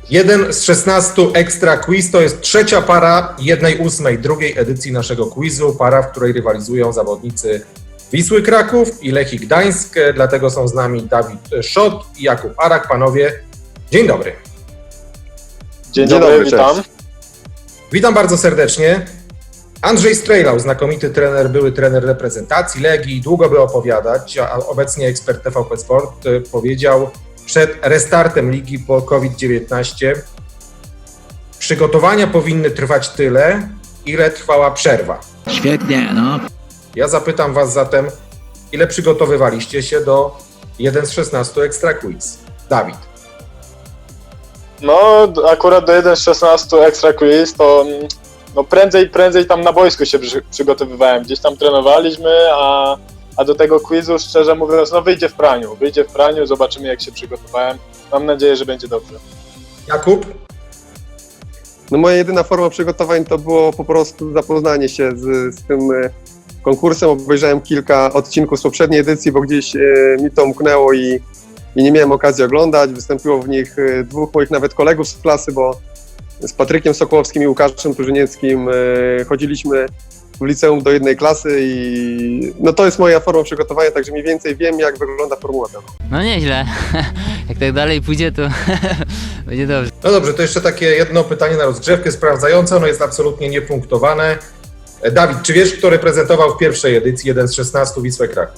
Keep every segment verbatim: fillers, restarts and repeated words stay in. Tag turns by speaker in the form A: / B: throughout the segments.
A: Jeden z szesnastu Ekstra Quiz to jest trzecia para jednej ósmej drugiej edycji naszego quizu. Para, w której rywalizują zawodnicy Wisły Kraków i Lechii Gdańsk. Dlatego są z nami Dawid Szot i Jakub Arak. Panowie, dzień dobry.
B: Dzień, dzień dobry, dobry witam.
A: Witam bardzo serdecznie. Andrzej Strejlał, znakomity trener, były trener reprezentacji Legii, długo by opowiadać, a obecnie ekspert T V P Sport, powiedział przed restartem ligi po COVID dziewiętnaście: przygotowania powinny trwać tyle, ile trwała przerwa.
C: Świetnie, no.
A: Ja zapytam was zatem, ile przygotowywaliście się do jeden z szesnastu Ekstra Quiz? Dawid.
B: No, akurat do jeden z szesnastu Ekstra Quiz to no prędzej, prędzej tam na boisku się przy, przygotowywałem. Gdzieś tam trenowaliśmy, a, a do tego quizu, szczerze mówiąc, no wyjdzie w praniu. Wyjdzie w praniu, zobaczymy jak się przygotowałem. Mam nadzieję, że będzie dobrze.
A: Jakub?
D: No moja jedyna forma przygotowań to było po prostu zapoznanie się z, z tym konkursem. Obejrzałem kilka odcinków z poprzedniej edycji, bo gdzieś e, mi to umknęło i, i nie miałem okazji oglądać. Wystąpiło w nich e, dwóch moich nawet kolegów z klasy, bo z Patrykiem Sokołowskim i Łukaszem Turzynieckim e, chodziliśmy w liceum do jednej klasy i no to jest moja forma przygotowania, także mniej więcej wiem, jak wygląda formuła ta.
C: No nieźle. Jak tak dalej pójdzie, to będzie dobrze.
A: No dobrze, to jeszcze takie jedno pytanie na rozgrzewkę sprawdzające, ono jest absolutnie niepunktowane. Dawid, czy wiesz, kto reprezentował w pierwszej edycji jeden z szesnastu Wisłę Kraków?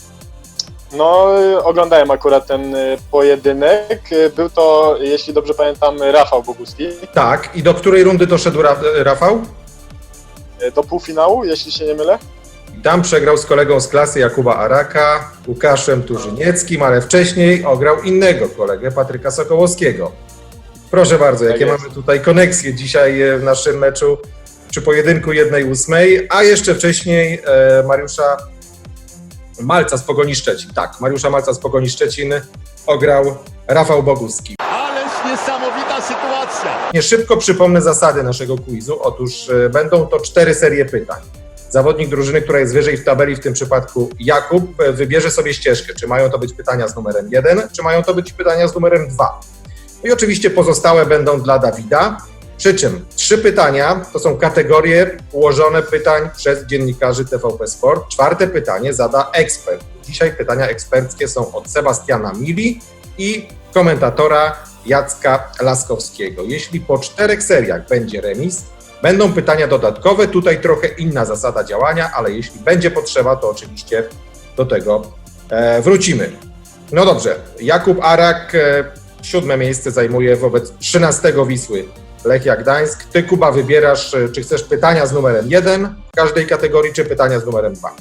B: No, oglądałem akurat ten pojedynek. Był to, jeśli dobrze pamiętam, Rafał Boguski.
A: Tak, i do której rundy doszedł Ra Rafał?
B: Do półfinału, jeśli się nie mylę.
A: I tam przegrał z kolegą z klasy Jakuba Araka, Łukaszem Turzynieckim, ale wcześniej ograł innego kolegę, Patryka Sokołowskiego. Proszę bardzo, jakie
B: tak
A: mamy tutaj koneksje dzisiaj w naszym meczu przy pojedynku jednej ósmej, a jeszcze wcześniej e, Mariusza Malca z Pogoni Szczecin. Tak, Mariusza Malca z Pogoni Szczecin ograł Rafał Boguski.
E: Ależ niesamowita sytuacja.
A: Nie szybko przypomnę zasady naszego quizu. Otóż e, będą to cztery serie pytań. Zawodnik drużyny, która jest wyżej w tabeli, w tym przypadku Jakub, e, wybierze sobie ścieżkę. Czy mają to być pytania z numerem jeden, czy mają to być pytania z numerem dwa. No i oczywiście pozostałe będą dla Dawida. Przy czym trzy pytania to są kategorie ułożone pytań przez dziennikarzy T V P Sport. Czwarte pytanie zada ekspert. Dzisiaj pytania eksperckie są od Sebastiana Mili i komentatora Jacka Laskowskiego. Jeśli po czterech seriach będzie remis, będą pytania dodatkowe. Tutaj trochę inna zasada działania, ale jeśli będzie potrzeba, to oczywiście do tego e, wrócimy. No dobrze, Jakub Arak e, siódme miejsce zajmuje wobec trzynastego Wisły Lechia Gdańsk. Ty, Kuba, wybierasz, czy chcesz pytania z numerem jeden w każdej kategorii, czy pytania z numerem dwa.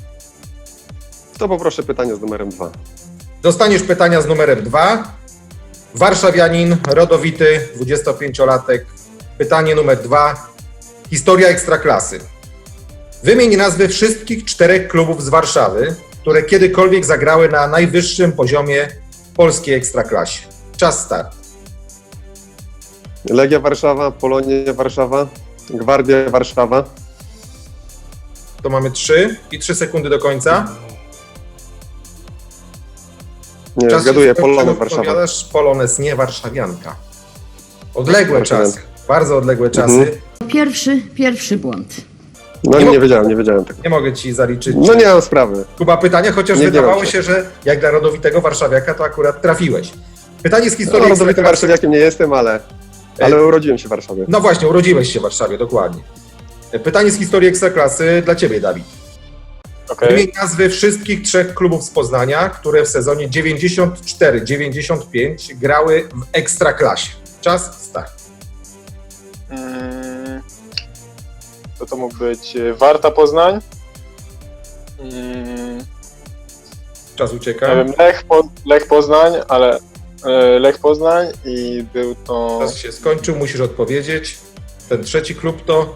D: To poproszę pytanie z numerem dwa.
A: Dostaniesz pytania z numerem dwa. Warszawianin, rodowity, dwudziestopięciolatek. Pytanie numer dwa. Historia Ekstraklasy. Wymień nazwy wszystkich czterech klubów z Warszawy, które kiedykolwiek zagrały na najwyższym poziomie polskiej Ekstraklasie. Czas start.
D: Legia Warszawa, Polonia Warszawa, Gwardia Warszawa.
A: To mamy trzy i trzy sekundy do końca.
D: Nie,
A: Czas
D: zgaduję,
A: się
D: Polones Warszawa.
A: Polones, nie warszawianka. Odległe
D: Warszawianka.
A: czasy, bardzo odległe czasy.
D: Mhm.
F: Pierwszy, pierwszy błąd.
D: No
A: Nie
D: nie,
A: mo-
D: wiedziałem, nie wiedziałem tego.
A: Nie mogę ci zaliczyć.
D: No nie mam sprawy.
A: Kuba, pytania, chociaż
D: Nie
A: wydawało
D: biorę się.
A: się, że jak dla rodowitego warszawiaka, to akurat trafiłeś. Pytanie z
D: No,
A: historii
D: rodowitym
A: Ekstraklasy.
D: warszawiakiem nie jestem, ale, ale urodziłem się w Warszawie.
A: No właśnie, urodziłeś się w Warszawie, dokładnie. Pytanie z historii Ekstraklasy dla ciebie, Dawid.
B: Okay.
A: Wymień nazwy wszystkich trzech klubów z Poznania, które w sezonie dziewięćdziesiąt cztery dziewięćdziesiąt pięć grały w Ekstraklasie. Czas start.
B: Hmm. To to mógł być Warta Poznań. Hmm.
A: Czas ucieka.
B: Nie wiem, Lech, po, Lech Poznań, ale e, Lech Poznań i był to...
A: Czas się skończył, musisz odpowiedzieć. Ten trzeci klub to...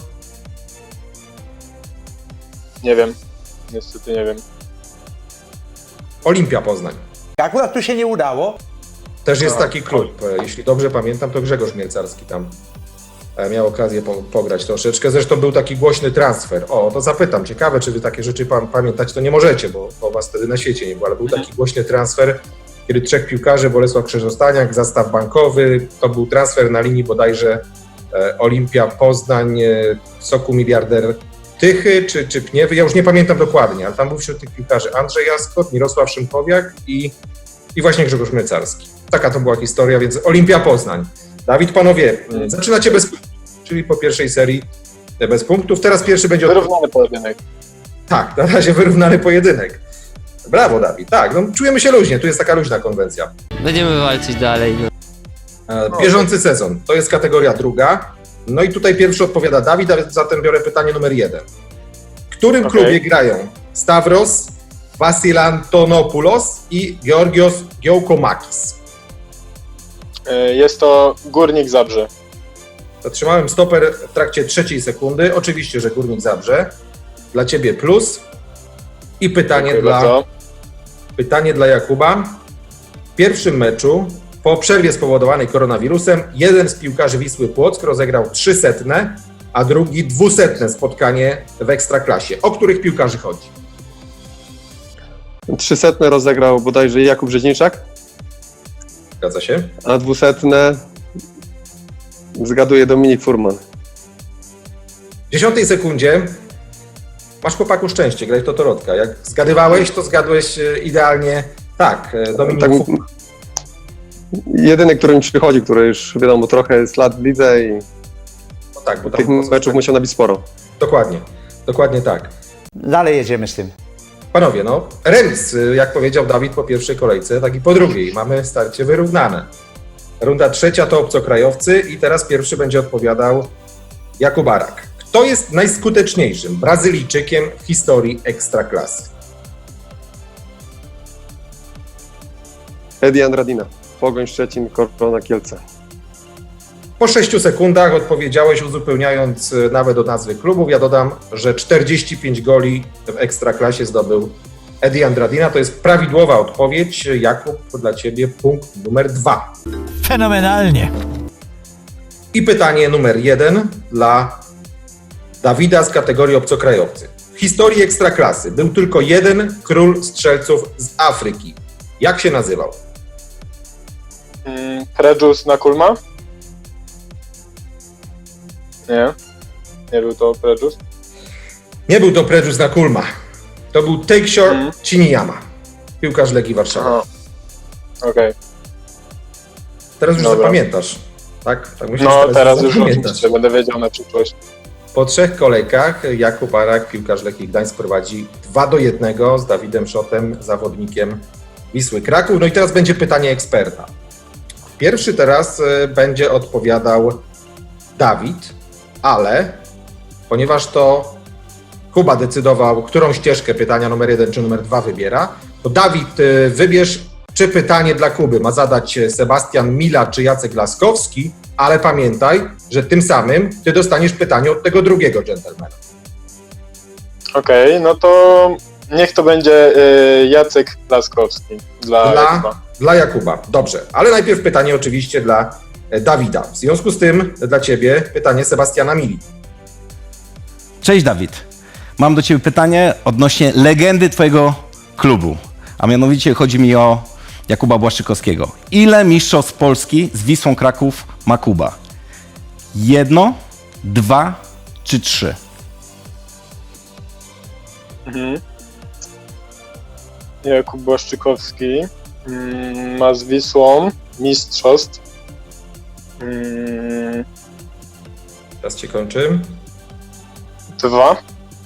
B: Nie wiem, niestety nie wiem.
A: Olimpia Poznań.
E: Akurat tu się nie udało.
A: Też jest
B: A,
A: taki klub. Jeśli dobrze pamiętam, to Grzegorz Mielcarski tam miał okazję po, pograć troszeczkę. Zresztą był taki głośny transfer. O, to zapytam. Ciekawe, czy wy takie rzeczy pam- pamiętać to nie możecie, bo, bo was wtedy na świecie nie było, ale był taki głośny transfer kiedy trzech piłkarzy, Bolesław Krzyżostaniak, zastaw bankowy, to był transfer na linii bodajże e, Olimpia Poznań, e, Soku Miliarder Tychy czy, czy Pniewy, ja już nie pamiętam dokładnie, ale tam był wśród tych piłkarzy Andrzej Jaskot, Mirosław Szymkowiak i, i właśnie Grzegorz Mlecarski. Taka to była historia, więc Olimpia Poznań. Dawid, panowie, zaczynacie bez punktów, czyli po pierwszej serii bez punktów. Teraz pierwszy będzie... Od...
B: Wyrównany pojedynek.
A: Tak, na razie wyrównany pojedynek. Brawo, Dawid. Tak, no, czujemy się luźnie, tu jest taka luźna konwencja.
C: Będziemy walczyć dalej. No.
A: E, Bieżący sezon, to jest kategoria druga. No i tutaj pierwszy odpowiada Dawid, a zatem biorę pytanie numer jeden. W którym
B: Okej.
A: klubie grają Stavros Vassilantonopoulos i Georgios Giacomakis?
B: Y, Jest to Górnik Zabrze.
A: Zatrzymałem stoper w trakcie trzeciej sekundy. Oczywiście, że Górnik Zabrze. Dla ciebie plus. I pytanie
B: Dziękuję
A: dla,
B: bardzo.
A: pytanie dla Jakuba. W pierwszym meczu, po przerwie spowodowanej koronawirusem, jeden z piłkarzy Wisły Płock rozegrał trzysetne, a drugi dwusetne spotkanie w Ekstraklasie. O których piłkarzy chodzi?
D: Trzysetne rozegrał bodajże Jakub Rzeźniczak,
A: Zgadza się?
D: a dwusetne zgaduje Dominik Furman.
A: W dziesiątej sekundzie masz, chłopaku, szczęście, graj w Totorotka. Jak zgadywałeś, to zgadłeś e, idealnie. Tak, e, Dominik
D: Tak,
A: Furman.
D: jedyny, który mi przychodzi, który już wiadomo trochę jest lat w lidze i
A: No tak, bo
D: tych
A: tam
D: meczów musiał nabić sporo.
A: Dokładnie, dokładnie tak.
E: Dalej jedziemy z tym.
A: Panowie, no remis, y, jak powiedział Dawid po pierwszej kolejce, tak i po drugiej. Mamy starcie wyrównane. Runda trzecia to obcokrajowcy i teraz pierwszy będzie odpowiadał Jakub Arak. Kto jest najskuteczniejszym Brazylijczykiem w historii Ekstraklasy?
D: Edi Andradina, Pogoń Szczecin, Korona Kielce.
A: Po sześciu sekundach odpowiedziałeś, uzupełniając y, nawet od nazwy klubów. Ja dodam, że czterdzieści pięć goli w Ekstraklasie zdobył Edi Andradina. To jest prawidłowa odpowiedź. Jakub, dla ciebie punkt numer dwa.
E: Fenomenalnie.
A: I pytanie numer jeden dla Dawida z kategorii obcokrajowcy. W historii Ekstraklasy był tylko jeden król strzelców z Afryki. Jak się nazywał?
B: Mm, Prejus Nakulma? Nie. Nie był to Prejus.
A: Nie był to Prejus Nakulma. To był Takeshore
B: Mhm.
A: Chiniyama, piłkarz Legii Warszawa.
B: Aha. Okej.
A: Teraz już
B: Dobra.
A: zapamiętasz, tak? tak myślę,
B: No
A: że
B: teraz już
A: zapamiętasz.
B: oczywiście będę wiedział na przyszłość.
A: Po trzech kolejkach Jakub Arak, piłkarz Lechii Gdańsk, prowadzi dwa do jednego z Dawidem Szotem, zawodnikiem Wisły Kraków. No i teraz będzie pytanie eksperta. Pierwszy teraz y, będzie odpowiadał Dawid, ale ponieważ to Kuba decydował, którą ścieżkę pytania numer jeden czy numer dwa wybiera, to Dawid, y, wybierz, czy pytanie dla Kuby ma zadać Sebastian Mila czy Jacek Laskowski, ale pamiętaj, że tym samym ty dostaniesz pytanie od tego drugiego dżentelmena.
B: Okej, no to niech to będzie y, Jacek Laskowski dla,
A: Dla,
B: Jakuba.
A: dla Jakuba. Dobrze, ale najpierw pytanie oczywiście dla e, Dawida. W związku z tym dla ciebie pytanie Sebastiana Mili.
G: Cześć Dawid. Mam do Ciebie pytanie odnośnie legendy Twojego klubu, a mianowicie chodzi mi o Jakuba Błaszczykowskiego. Ile mistrzostw Polski z Wisłą Kraków ma Kuba? Jedno, dwa czy trzy?
B: Mhm. Jakub Błaszczykowski mm, ma z Wisłą mistrzostw. Mm,
A: Teraz cię kończy.
B: dwa.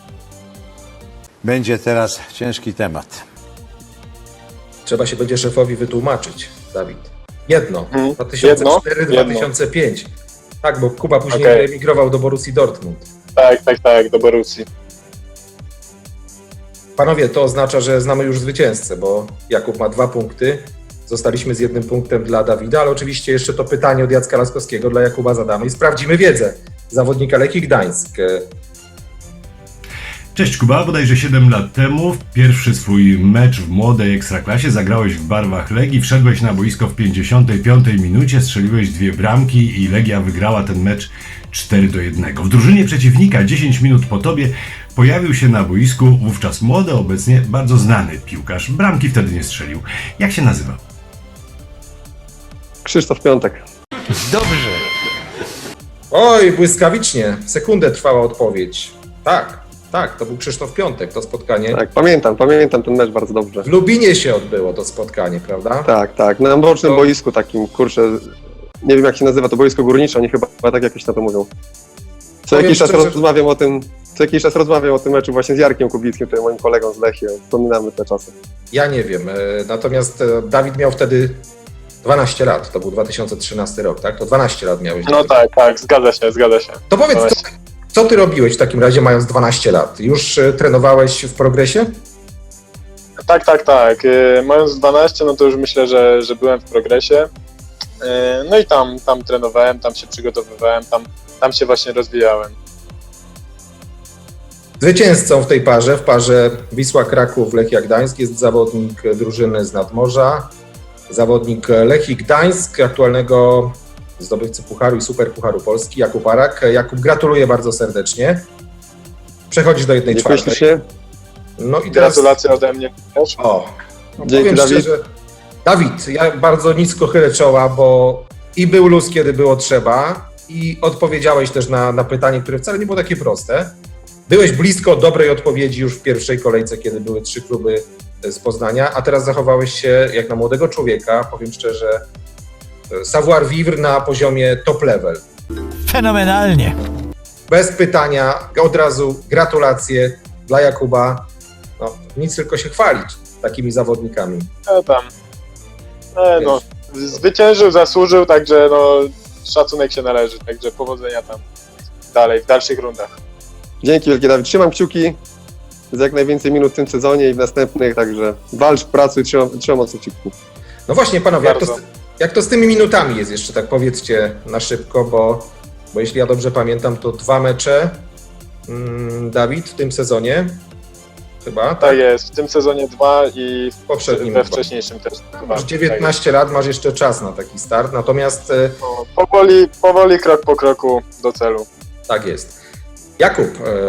E: Będzie teraz ciężki temat.
A: Trzeba się będzie szefowi wytłumaczyć, Dawid. Jedno.
B: Mhm.
A: dwa tysiące cztery
B: Jedno.
A: dwa tysiące pięć. Tak, bo Kuba później
B: Okej.
A: emigrował do Borussii Dortmund.
B: Tak, tak, tak, do Borussii.
A: Panowie, to oznacza, że znamy już zwycięzcę, bo Jakub ma dwa punkty. Zostaliśmy z jednym punktem dla Dawida, ale oczywiście jeszcze to pytanie od Jacka Laskowskiego dla Jakuba zadamy i sprawdzimy wiedzę zawodnika Lechii Gdańsk.
H: Cześć Kuba, bodajże siedem lat temu, w pierwszy swój mecz w młodej Ekstraklasie zagrałeś w barwach Legii, wszedłeś na boisko w pięćdziesiątej piątej minucie, strzeliłeś dwie bramki i Legia wygrała ten mecz cztery do jednego. W drużynie przeciwnika dziesięć minut po tobie pojawił się na boisku wówczas młody, obecnie bardzo znany piłkarz. Bramki wtedy nie strzelił. Jak się nazywa?
D: Krzysztof Piątek.
E: Dobrze.
A: Oj, błyskawicznie. Sekundę trwała odpowiedź. Tak, tak, to był Krzysztof Piątek, to spotkanie.
D: Tak, pamiętam, pamiętam ten mecz bardzo dobrze.
A: W Lubinie się odbyło to spotkanie, prawda?
D: Tak, tak, na bocznym
A: To-
D: boisku takim, kurczę, nie wiem jak się nazywa, to boisko górnicze, oni chyba tak jakoś na to mówią. Co
A: Powiem
D: jakiś czas
A: szczerze-
D: rozmawiam o tym, co jakiś czas rozmawiam o tym meczu właśnie z Jarkiem Kubickim, który moim kolegą z Lechii, wspominamy te czasy.
A: Ja nie wiem. e, Natomiast e, Dawid miał wtedy dwanaście lat, to był dwa tysiące trzynasty rok, tak? To dwanaście lat miałeś.
B: No tak, tak, zgadza się, zgadza się.
A: To powiedz, co,
B: Właśnie.
A: co ty robiłeś w takim razie mając dwanaście lat? Już e, trenowałeś w progresie?
B: Tak, tak, tak. Yy, Mając dwanaście, no to już myślę, że, że byłem w progresie. Yy, No i tam, tam trenowałem, tam się przygotowywałem, tam, tam się właśnie rozwijałem.
A: Zwycięzcą w tej parze, w parze Wisła Kraków Lechia Gdańsk jest zawodnik drużyny z Nadmorza, zawodnik Lechii Gdańsk, aktualnego zdobywcy Pucharu i Superpucharu Polski, Jakub Arak. Jakub, gratuluję bardzo serdecznie. Przechodzisz do jednej
D: Dziękuję
A: czwartej.
D: ślicznie.
A: No i teraz...
B: Gratulacje ode mnie też.
A: O, no
D: Dzięki,
A: powiem
D: Dawid.
A: szczerze, Dawid, ja bardzo nisko chylę czoła, bo i był luz, kiedy było trzeba, i odpowiedziałeś też na, na pytanie, które wcale nie było takie proste. Byłeś blisko dobrej odpowiedzi już w pierwszej kolejce, kiedy były trzy kluby z Poznania, a teraz zachowałeś się jak na młodego człowieka, powiem szczerze, savoir vivre na poziomie top level.
E: Fenomenalnie.
A: Bez pytania, od razu gratulacje dla Jakuba. No, nic tylko się chwalić takimi zawodnikami.
B: E, tam. E, no, zwyciężył, zasłużył, także no, szacunek się należy, także powodzenia tam dalej, w dalszych rundach.
D: Dzięki wielkie, Dawid. Trzymam kciuki za jak najwięcej minut w tym sezonie i w następnych, także walcz, pracuj, trzymam, trzymam mocno kciuki.
A: No właśnie, panowie, jak to, z,
B: Bardzo.
A: jak to z tymi minutami jest jeszcze, tak powiedzcie na szybko, bo, bo jeśli ja dobrze pamiętam, to dwa mecze, mm, Dawid, w tym sezonie, chyba, tak?
B: Tak jest, w tym sezonie dwa i
A: W poprzednim
B: we
A: dwa.
B: wcześniejszym też dwa.
A: Masz
B: Tak
A: dziewiętnaście lat, masz jeszcze czas na taki start, natomiast e,
B: jest. No, powoli, powoli, krok po kroku do celu.
A: tak jest. Jakub,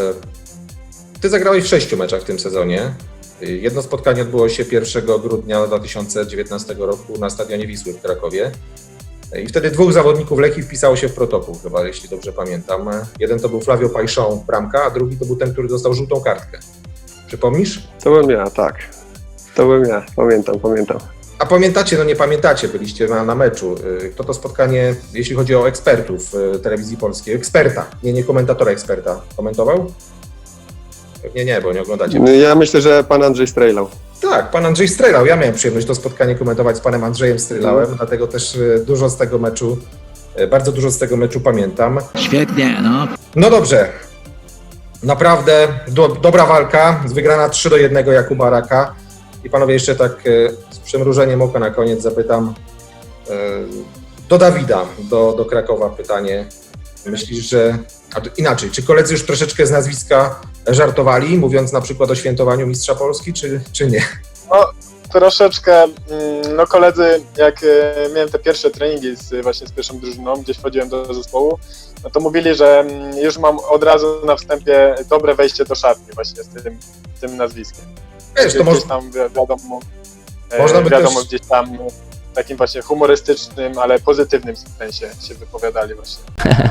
A: e, ty zagrałeś w sześciu meczach w tym sezonie. E, Jedno spotkanie odbyło się pierwszego grudnia dwa tysiące dziewiętnastego roku na stadionie Wisły w Krakowie. E, I wtedy dwóch zawodników Lechii wpisało się w protokół, chyba, jeśli dobrze pamiętam. E, Jeden to był Flavio Pajszon, bramka, a drugi to był ten, który dostał żółtą kartkę. Przypomnisz?
D: To byłem ja, tak. To byłem ja, pamiętam, pamiętam.
A: A pamiętacie, no nie pamiętacie, byliście na, na meczu. Y, Kto to spotkanie, jeśli chodzi o ekspertów y, telewizji polskiej, eksperta, nie, nie komentatora, eksperta, komentował? Pewnie nie, bo nie oglądacie.
D: Ja myślę, że pan Andrzej strejlał.
A: Tak, pan Andrzej Strelał. Ja miałem przyjemność to spotkanie komentować z panem Andrzejem Strelałem, dlatego też y, dużo z tego meczu, y, bardzo dużo z tego meczu pamiętam.
E: Świetnie, no.
A: No dobrze. Naprawdę do, dobra walka, wygrana trzy do jednego Jakuba Araka. I panowie, jeszcze tak e, z przymrużeniem oka na koniec zapytam e, do Dawida, do, do Krakowa pytanie. Myślisz, że... A to inaczej, czy koledzy już troszeczkę z nazwiska żartowali, mówiąc na przykład o świętowaniu Mistrza Polski, czy, czy nie?
B: Troszeczkę, mm, no koledzy, jak e, miałem te pierwsze treningi z, właśnie z pierwszą drużyną, gdzieś wchodziłem do zespołu, no to mówili, że mm, już mam od razu na wstępie dobre wejście do szatni właśnie z tym, tym nazwiskiem.
A: Wiesz, to
B: gdzieś
A: może,
B: tam wi- wiadomo, e,
A: Można by
B: wiadomo
A: też-
B: gdzieś tam no, w takim właśnie humorystycznym, ale pozytywnym sensie się wypowiadali właśnie.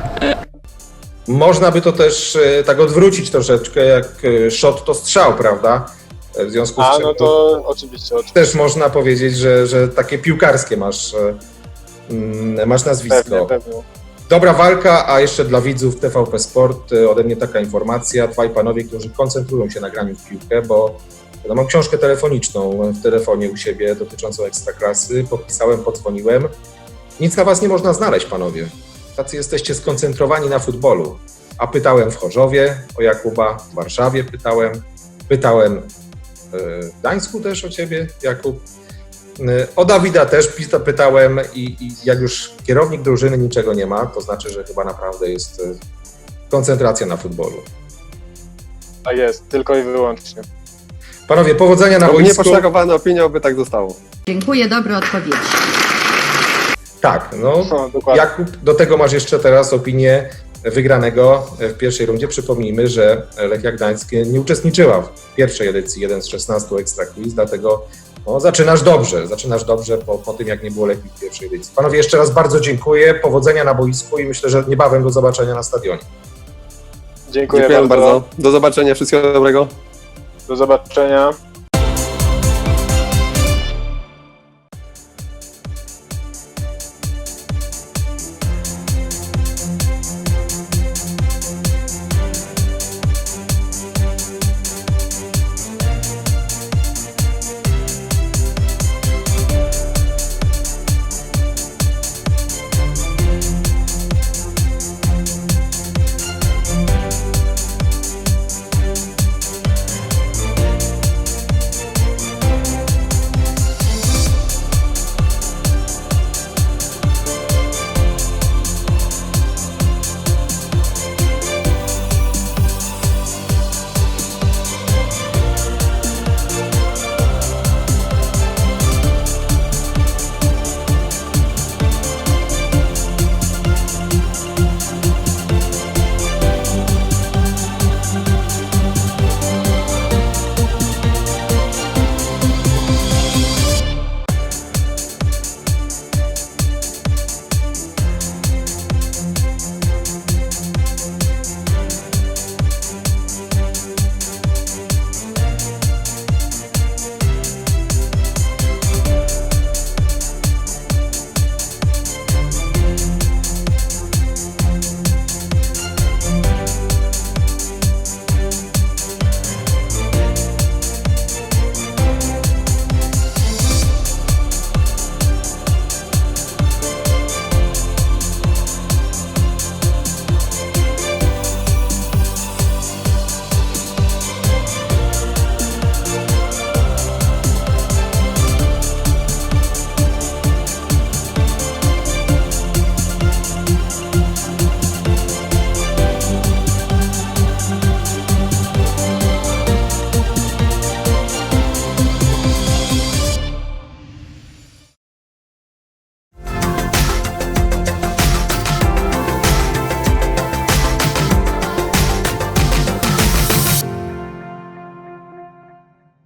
A: można by to też e, tak odwrócić troszeczkę, jak e, shot to strzał, prawda? E, W związku z
B: A
A: czym
B: no to oczywiście, oczywiście.
A: też można powiedzieć, że, że takie piłkarskie masz, e, mm, masz nazwisko.
B: Pewnie, pewnie.
A: Dobra walka, a jeszcze dla widzów T V P Sport y, ode mnie taka informacja. Dwaj panowie, którzy koncentrują się na graniu w piłkę, bo ja mam książkę telefoniczną w telefonie u siebie dotyczącą Ekstraklasy. Podpisałem, podzwoniłem. Nic na was nie można znaleźć, panowie. Tacy jesteście skoncentrowani na futbolu. A pytałem w Chorzowie o Jakuba, w Warszawie pytałem, pytałem y, w Gdańsku też o ciebie, Jakub. O Dawida też pita- pytałem i, i jak już kierownik drużyny niczego nie ma, to znaczy, że chyba naprawdę jest e, koncentracja na futbolu.
B: Tak jest, tylko i wyłącznie.
A: Panowie, powodzenia na
D: No,
A: boisku.
D: nieposzlakowana opinia, oby tak zostało.
F: Dziękuję, dobre odpowiedzi.
A: Tak, no
B: No, dokładnie.
A: Jakub, do tego masz jeszcze teraz opinię wygranego w pierwszej rundzie. Przypomnijmy, że Lechia Gdańsk nie uczestniczyła w pierwszej edycji jeden z szesnastu Ekstra Quiz, dlatego No, zaczynasz dobrze, zaczynasz dobrze po, po tym, jak nie było lepiej w pierwszej edycji. Panowie, jeszcze raz bardzo dziękuję, powodzenia na boisku i myślę, że niebawem do zobaczenia na stadionie.
B: Dziękuję,
D: Dziękuję
B: bardzo.
D: bardzo. Do zobaczenia, wszystkiego dobrego.
B: Do zobaczenia.